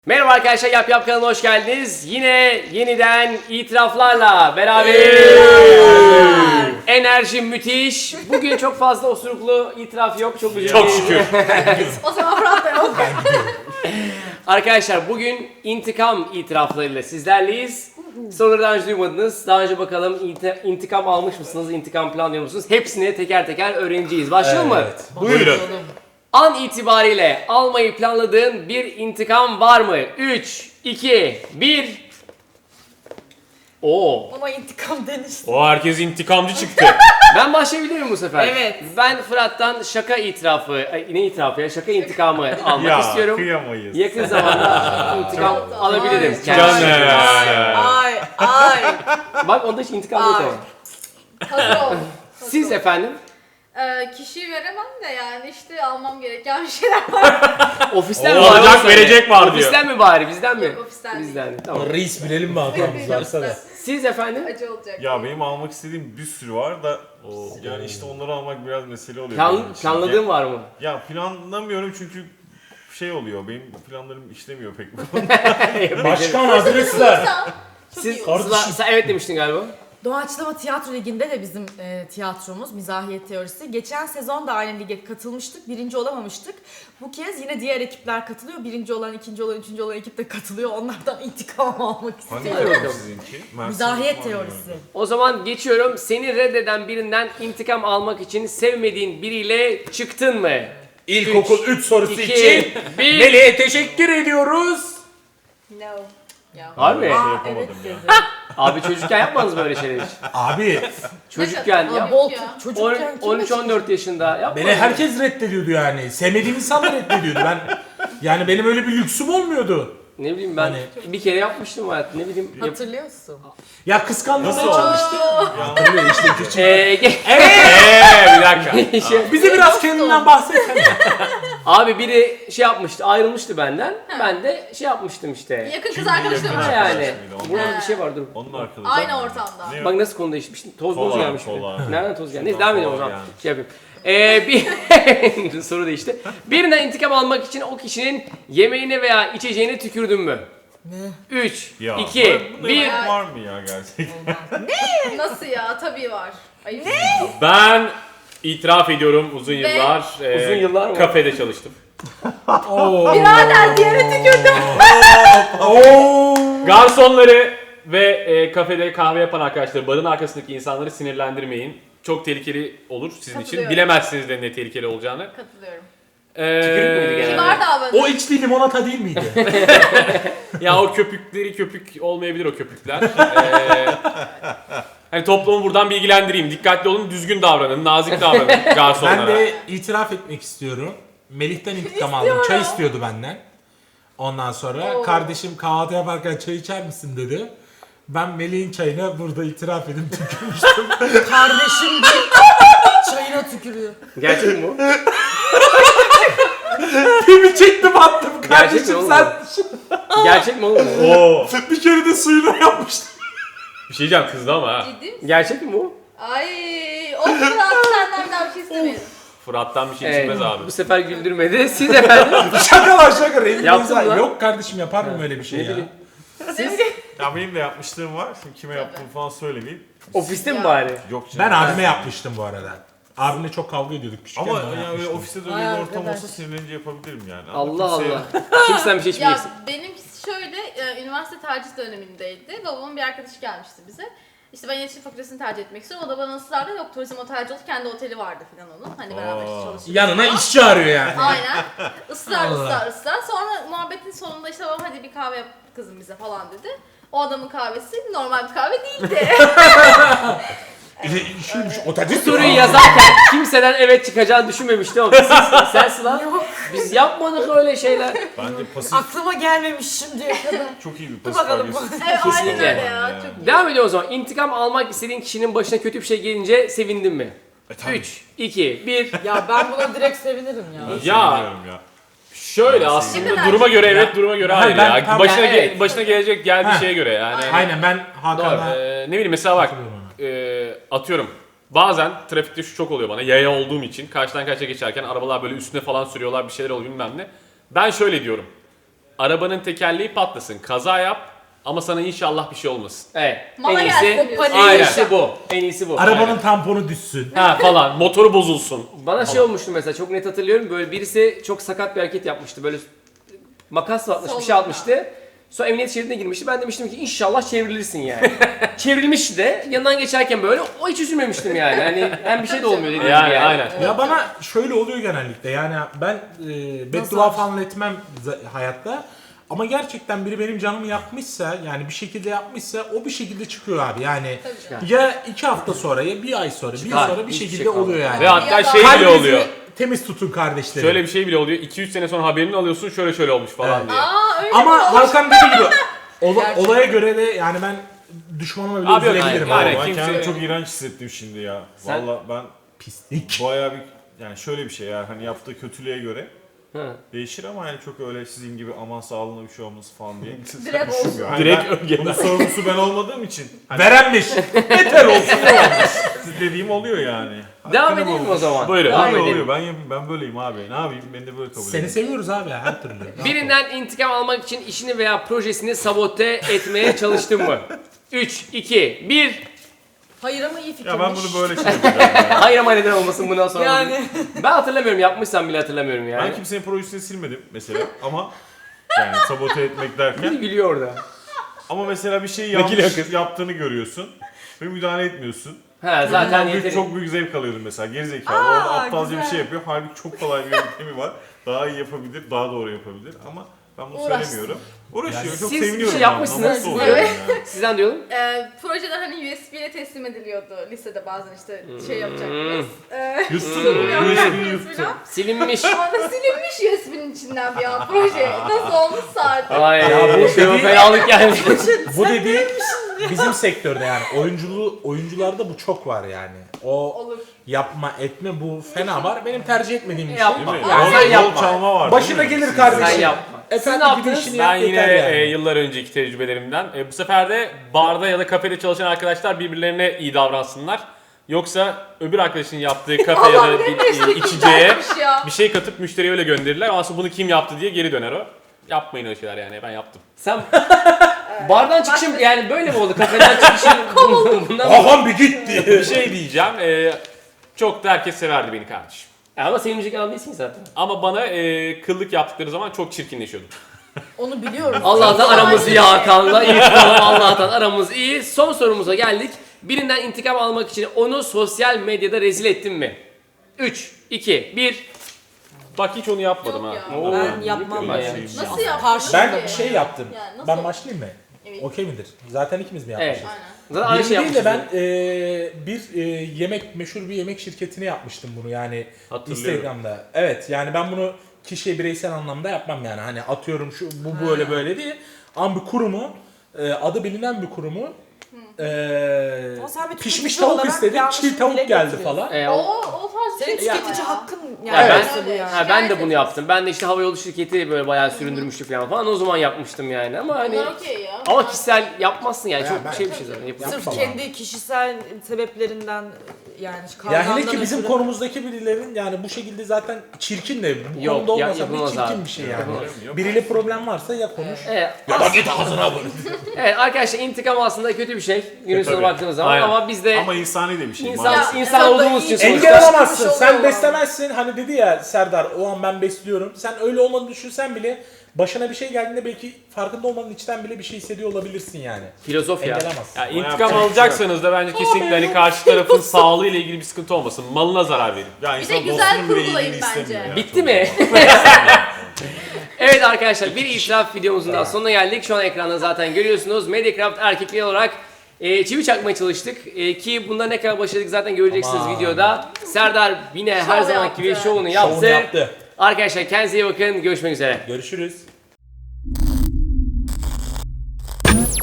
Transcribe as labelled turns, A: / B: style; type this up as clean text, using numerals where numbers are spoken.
A: Merhaba arkadaşlar, Yap Yap kanalına hoş geldiniz. Yine yeniden itiraflarla beraberiz. Enerji müthiş. Bugün çok fazla osuruklu itiraf yok. Çok güzel.
B: Çok şükür.
C: O zaman Fırat da yok.
A: Arkadaşlar bugün intikam itiraflarıyla sizlerleyiz. Soruları daha önce duymadınız. Daha önce bakalım intikam almış mısınız? İntikam planlıyor musunuz? Hepsini teker teker öğreneceğiz. Başlayalım mı?
B: Buyurun.
A: An itibariyle almayı planladığın bir intikam var mı? 3, 2, 1. Oo.
C: Ama intikam denir.
B: O herkes intikamcı çıktı.
A: Ben başlayabilir miyim bu sefer?
C: Evet.
A: Ben Fırat'tan şaka itirafı, ne itirafı ya? Şaka intikamı almak istiyorum.
D: Kıyamayız.
A: Yakın zamanda intikam alabilirim.
C: Ay,
A: kendisinden.
C: Ay.
A: Bak onda hiç intikam yok
C: Ay.
A: ama.
C: Hazır ol.
A: Siz efendim?
C: Kişiyi veremem de yani işte almam gereken bir şeyler var.
A: Ofisten
B: O
A: mi bari?
B: alacak,
A: Onu söyle.
B: verecek var diyor.
A: Ofisten mi bari? Bizden mi?
C: Yok, ofisten değil.
A: Bizden. Tamam.
E: Reis bilelim mi hatamız varsa da.
A: Siz efendim?
C: Acı olacak.
D: Ya benim almak istediğim bir sürü var da yani işte onları almak biraz mesele oluyor. benim için.
A: Planladığın var mı?
D: Ya planlamıyorum çünkü şey oluyor. Benim planlarım işlemiyor pek.
E: Başkan adresler.
A: Siz
C: iyi.
A: sen evet demiştin galiba.
F: Doğaçlama Tiyatro Ligi'nde de bizim tiyatromuz, Mizahiyet Teorisi. Geçen sezon da aynı lige katılmıştık, birinci olamamıştık. Bu kez yine diğer ekipler katılıyor. Birinci olan, ikinci olan, üçüncü olan ekip de katılıyor. Onlardan intikam almak
D: Hangi
F: istiyorum.
D: bölüm sizinki?
F: Mizahiyet Teorisi.
A: O zaman geçiyorum. Seni reddeden birinden intikam almak için sevmediğin biriyle çıktın mı?
E: İlkokul 3 sorusu
A: 2,
E: için
A: 1.
E: Melih'e teşekkür ediyoruz.
C: No. Ya.
A: Harbi.
D: Şey
F: Aa,
D: yapamadım
F: evet
D: ya.
F: dedi.
A: Abi çocukken yapmadınız böyle şeyler hiç.
E: Abi
A: Çocukken
C: Aa,
A: ya.
F: Bol
C: ya.
F: çocukken kim
A: 13-14 yaşında yapmadınız.
E: beni herkes reddediyordu yani. Sevmediğim insanlar reddediyordu. Yani benim öyle bir lüksüm olmuyordu.
A: Ne bileyim ben
E: Hani-
A: bir kere yapmıştım hayat. Ne bileyim.
F: Hatırlıyorsun.
E: Ya kıskandırmaya
D: Nasıl?
E: çalıştı. Hatırlıyor işte küçük.
B: Bir dakika.
E: Bize biraz kendinden bahsetsene.
A: Abi biri şey yapmıştı, ayrılmıştı benden. Ben de şey yapmıştım işte.
C: Yakın kız arkadaşım
A: Ha
C: var.
A: yani.
D: Onun-
A: Burada bir şey var dur.
D: Onun arkadaşı.
C: Aynı ortamda.
D: Ne
A: Bak nasıl konu değişmiştim. Toz boz
D: Kola,
A: gelmiş.
D: kola.
A: Nereden toz geldi? Neyse
D: Şuradan
A: devam edelim o
D: kola
A: zaman.
D: gelmiş.
A: Şey yapayım. Bir soru değişti. Birinden intikam almak için o kişinin yemeğine veya içeceğine tükürdün mü? Ne? 3,
D: Ya,
A: 2,
D: bunda
A: 1.
D: yemek var mı ya gerçekten?
C: Nasıl ya? Tabii var. Ayıp.
B: Ben itiraf ediyorum uzun yıllar.
A: Uzun yıllar mı?
B: Kafede çalıştım.
C: Birader diğerine tükürdüm.
B: Garsonları ve kafede kahve yapan arkadaşları, barın arkasındaki insanları sinirlendirmeyin. Çok tehlikeli olur sizin için.
C: Katılıyorum.
B: Bilemezsiniz de ne tehlikeli olacağını.
C: Katılıyorum.
A: Tükürük müydü genelde?
C: Kibar davranıyor.
E: O içtiği limonata değil miydi?
B: Ya o köpük olmayabilir o köpükler. Hani toplumu buradan bilgilendireyim. Dikkatli olun, düzgün davranın, nazik davranın garsonlara.
E: Ben de itiraf etmek istiyorum. Melih'ten intikam aldım. Çay istiyordu benden. Ondan sonra kardeşim kahvaltı yaparken çay içer misin dedi. Ben Melih'in çayına burada itiraf edip tükürmüştüm.
F: Kardeşim de çayına tükürüyor.
A: Gerçek mi bu?
E: Pimi çektim attım
A: Gerçek mi
E: kardeşim
A: oğlum?
E: sen.
A: Gerçek mi oğlum? bu?
B: Oo.
E: Bir kere de suyuna yapmıştım.
B: Bir şey diyeceğim, kızdı ama ha.
C: Ciddi misin?
A: Gerçek mi bu?
C: Ay. O Fırat senden bir daha bir şey istemedim.
B: Fırat'tan bir şey
A: Evet,
B: çıkmaz abi.
A: bu sefer güldürmedi. Siz efendim?
E: Şaka şaka.
A: Yaptın mı lan?
E: Yok kardeşim yapar mı öyle bir şey
A: Ne
E: ya?
A: bileyim.
D: Ya benim de yapmışlığım var. Şimdi kime yaptığımı falan söylemeyeyim.
A: Ofiste mi
C: Ya.
A: bari?
D: Yok canım.
E: Ben abime yapmıştım bu arada. Abimle çok kavga ediyorduk küçükken.
D: Ama
E: ben
D: yani öyle
E: yapmıştım.
D: ofiste de öyle
F: Ay
D: bir ortam
F: arkadaş.
D: olsa sinirlenince yapabilirim yani.
A: Allah
D: Ama kimseye-
A: Allah. Kimsen bir şey
C: Ya
A: içmeyeceksin.
C: benimkisi şöyle, üniversite tercih dönemindeydi. Babamın bir arkadaşı gelmişti bize. İşte ben iletişim fakültesini tercih etmek istiyorum. O da bana ısrarla yok turizm otelci oldu. Kendi oteli vardı falan onun. Hani beraber işte çalışıyorduk.
E: Yanına
C: falan.
E: iş çağırıyor yani.
C: Aynen. Israr
E: Allah.
C: ısrar. Sonra muhabbetin sonunda işte babam hadi bir kahve yap kızım bize falan dedi. O adamın kahvesi normal bir kahve değildi.
E: Şuymuş otelci.
A: Soruyu yazarken kimseden evet çıkacağını düşünmemiştim ama sen Sıla biz yapmadık öyle şeyler.
D: Bence pasif
F: Aklıma gelmemiş şimdiye kadar.
D: çok iyi bir
F: Dur
D: pasif
F: bakalım.
D: agresif.
C: Evet aynen
A: Kesinlikle.
C: öyle ya. Çok iyi.
A: Devam ediyor o zaman. İntikam almak istediğin kişinin başına kötü bir şey gelince sevindin mi?
D: Tabii.
A: 3, 2, 1.
F: Ya ben buna direkt sevinirim ya.
D: Ben
B: Ya.
D: seviniyorum ya.
B: Şöyle
C: Ne
B: aslında
C: kadar
B: duruma göre
E: Ya.
B: evet, duruma göre
E: Ha,
B: hayır
E: ben
B: ya.
E: tam-
B: Başına,
A: Yani evet.
B: başına gelecek geldiği
E: Ha.
B: şeye göre yani.
E: Aynen ben
B: Doğru.
E: Hakan'a...
B: Ne bileyim mesela bak
E: Katılıyorum
B: atıyorum. Bazen trafikte şu çok oluyor bana, yaya olduğum için karşıdan karşıya geçerken arabalar böyle üstüne falan sürüyorlar, bir şeyler oluyor bilmem ne. Ben şöyle diyorum. Arabanın tekerleği patlasın, kaza yap ama sana inşallah bir şey olmasın.
A: Evet.
C: Mala
A: en
C: gelsin
A: iyisi,
C: diyorsun.
A: en
B: Aynen.
A: iyisi bu. En iyisi bu.
E: Arabanın tamponu düşsün.
B: Ha falan, motoru bozulsun.
A: Bana şey olmuştu mesela, çok net hatırlıyorum. Böyle birisi çok sakat bir hareket yapmıştı. Böyle makasla atmış, bir şey atmıştı. Sonra emniyet şeridine girmişti. Ben demiştim ki inşallah çevrilirsin yani. Çevrilmişti de yanından geçerken böyle o hiç üzülmemiştim yani. Hani hem bir şey de olmuyor dediğim gibi
B: Yani aynen.
E: Ya bana şöyle oluyor genellikle, yani ben beddua falan etmem hayatta. Ama gerçekten biri benim canımı yakmışsa, yani bir şekilde yapmışsa o bir şekilde çıkıyor abi. Yani ya 2 hafta sonra ya bir ay sonra, bir yıl sonra bir
A: Hiçbir
E: şekilde
A: şey
E: oluyor yani.
B: Ve hatta
C: Ya da-
B: şey bile
E: Kalbinizi
B: oluyor.
E: temiz tutun kardeşlerim.
B: Şöyle bir şey bile oluyor. 2-3 sene sonra haberini alıyorsun, şöyle olmuş falan
E: Evet.
B: diye.
C: Aa öyle
E: Ama
C: mi?
E: Hakan dediği gibi
F: Gerçekten.
E: olaya göre de yani ben düşmanıma bile
B: Abi yok,
E: üzülebilirim.
B: aynen.
E: abi.
D: Ben
B: kimse-
D: kendimi çok iğrenç hissettim şimdi ya.
A: Sen-
D: Valla ben
E: Pislik.
D: bayağı bir yani şöyle bir şey ya, hani yaptığı kötülüğe göre
A: Hı.
D: değişir ama yani çok öyle sizin gibi aman sağlığına bir şey olması falan diye
C: Direkt olsun.
D: düşünmüyorum.
B: Direkt
D: ben,
B: ögeden.
D: bunun sorumlusu ben olmadığım için hani
E: Verenmiş. Beter olsun.
D: dediğim oluyor yani.
A: Devam
D: Hakkını
A: edelim mi o
D: bulmuş.
A: zaman?
B: Buyurun.
A: Devam
D: Oluyor
A: edelim.
D: oluyor, ben böyleyim abi. Ne yapayım, beni de böyle kabul edin.
E: Seni seviyoruz abi her türlü.
A: Birinden intikam almak için işini veya projesini sabote etmeye çalıştın mı? 3, 2, 1.
F: Hayır ama iyi fikirmiş.
D: Ya ben bunu böyle şey yapacağım ya.
A: Hayır ama neden olmasın bundan sonra?
F: Yani.
A: Ben hatırlamıyorum, yapmışsam bile hatırlamıyorum yani.
D: Ben kimsenin projesini silmedim mesela ama yani sabote etmek derken.
A: Gülüyor orada.
D: Ama mesela bir şeyi
B: Vekil
D: yanlış
B: yakın.
D: yaptığını görüyorsun ve müdahale etmiyorsun.
A: Ha zaten
D: Büyük,
A: yeteri.
D: çok büyük zevk alıyordum mesela, gerizekalı. Orada aptalca bir şey yapıyor. Halbuki çok kolay bir yöntemi var. Daha iyi yapabilir, daha doğru yapabilir ama ben bunu
C: Uğraşsın.
D: söylemiyorum. Uğraşıyor, çok
A: siz bir
D: seviniyorum.
A: şey
D: ben.
A: yapmışsınız.
D: Mutlu oluyorum
C: Evet.
D: yani.
A: Sizden diyorum.
C: Projede hani USB ile teslim ediliyordu lisede bazen işte şey yapacaktınız.
D: Yuttum,
C: Yapacak
D: USB'yi
C: mıyız
D: yuttum.
C: falan.
A: Silinmiş.
C: Ama silinmiş USB'nin içinden bir an proje. Nasıl olmuşsa artık.
A: Ay
E: Ya bu
A: bu şey
E: dediğin-
A: fenalık yani.
E: Bu dediğin bizim sektörde yani oyuncularda bu çok var yani. O
C: Olur.
E: yapma etme bu fena var. Benim tercih etmediğim bir şey.
A: Yapma.
D: Değil mi?
A: Ya
D: Rol-
A: sen
D: rol
A: yapma.
D: çalma var.
E: Başına
D: değil mi?
E: gelir
D: Siz-
E: kardeşim.
A: Sen yapma.
E: Efendim
A: Siz ne
E: gibi
A: yaptınız?
E: işini
B: Ben
E: yap
B: yine
E: yeter yani.
B: yıllar önceki tecrübelerimden bu sefer de barda ya da kafede çalışan arkadaşlar birbirlerine iyi davransınlar. Yoksa öbür arkadaşın yaptığı kafe ya da bir içeceğe
C: Güzelmiş ya.
B: bir şey katıp müşteriye öyle gönderirler. Ama aslında bunu kim yaptı diye geri döner o. Yapmayın öyle şeyler yani, ben yaptım.
A: Sen bardan çıkışım yani böyle mi oldu? Kafeden çıkışım bundan mı?
E: Hakan bir gitti.
B: Bir şey diyeceğim. Çok da herkes severdi beni kardeşim.
A: Ama sevinecek adam değilsin zaten.
B: Ama bana kıllık yaptıkları zaman çok çirkinleşiyordum.
F: Onu biliyorum.
A: Allah'tan aramız iyi Hakan'la. İyi tutalım, Allah'tan aramız iyi. Son sorumuza geldik. Birinden intikam almak için onu sosyal medyada rezil ettin mi? 3, 2, 1.
B: Bak hiç onu yapmadım
C: Yok
B: ha.
C: ya.
A: Oo,
F: Ben yapmam
A: ben
F: böyle
A: ya.
F: bir şey.
C: Nasıl yaptın?
F: Karşı-
E: Ben şey yaptım.
C: Yani nasıl
E: Ben
C: oldu?
E: başlayayım mı?
C: Evet.
E: Okey midir? Zaten ikimiz mi
A: Evet.
E: yapmışız?
C: Aynen.
A: Zaten aynı şey
E: Birini değil de
A: yapmışız.
E: ben meşhur bir yemek şirketine yapmıştım bunu yani
B: Hatırlıyorum.
E: Instagram'da. Evet yani ben bunu kişiye bireysel anlamda yapmam yani hani atıyorum şu bu böyle böyle değil. Ama bir kurumu adı bilinen bir kurumu
F: Ama sen bir
E: pişmiş
F: tüketici
E: tavuk
F: olarak
E: istedim,
F: yanlışını
E: çiğ tavuk
F: dile
E: geldi
F: getiriyorsun.
E: falan.
C: O tarz bir
F: Senin
C: şey
F: tüketici
C: ya.
F: hakkın
A: Ya
F: yani.
A: ben-
F: bu yani.
A: Ha, ben de bunu yaptım. Ben de işte havayolu şirketi böyle bayağı süründürmüştük falan. O zaman yapmıştım yani ama hani
C: Bunlar okey ya.
A: ama kişisel yapmazsın yani.
E: Ya
A: Çok
E: ben-
A: şey bir şey zaten. Yapılır.
F: Sırf
E: Yapma
F: kendi kişisel sebeplerinden yani
E: Ya hele
F: kavgamdan
E: ki bizim
F: ötürü-
E: konumuzdaki birilerin yani bu şekilde zaten çirkin de bu
A: Yok,
E: konuda olmasa bile
A: yapılmaz
E: çirkin
A: abi.
E: bir şey yani.
A: Yapılmaz.
E: Biriyle problem varsa ya konuş.
A: Evet.
E: Ya da git ağzına vur.
A: Evet arkadaşlar, intikam aslında kötü bir şey. Günün sonuna
D: tabii.
A: baktığımız zaman
B: Aynen.
A: ama biz de
D: Ama insani de bir şey.
A: insan
D: maalesef.
A: insan
F: Ya,
A: olduğumuz için
F: engel
A: sonuçta.
E: Engel olamazsın.
F: Çıkmış
E: Sen
F: oluyor.
E: beslemezsin. Hani dedi ya Serdar o an ben besliyorum. Sen öyle olmadığını düşünsen bile başına bir şey geldiğinde belki farkında olmanın içten bile bir şey hissediyor olabilirsin yani.
A: Filozof ya.
E: Engelemezsin.
B: Ya
D: yapacak
B: intikam
D: bir şey
B: alacaksanız da bence kesinlikle hani karşı tarafın sağlığı ile ilgili bir sıkıntı olmasın. Malına zarar verin.
D: Ya
C: Bir
D: insan
C: de güzel
D: dostunun bile
C: kurgulayın
D: iyiliğini
C: bence.
D: istemiyor ya.
A: Bitti mi? Evet arkadaşlar, bir itiraf videomuzun daha sonuna geldik. Şu an ekranda zaten görüyorsunuz. Mediacraft erkekliği olarak çivi çakmaya çalıştık. Ki bunda ne kadar başardık zaten göreceksiniz
E: Aman.
A: videoda. Serdar yine her
C: Şov
A: zamanki gibi
C: yaptı.
A: şovunu yaptı.
E: Şovunu yaptı.
A: Arkadaşlar kendinize iyi bakın. Görüşmek üzere.
E: Görüşürüz.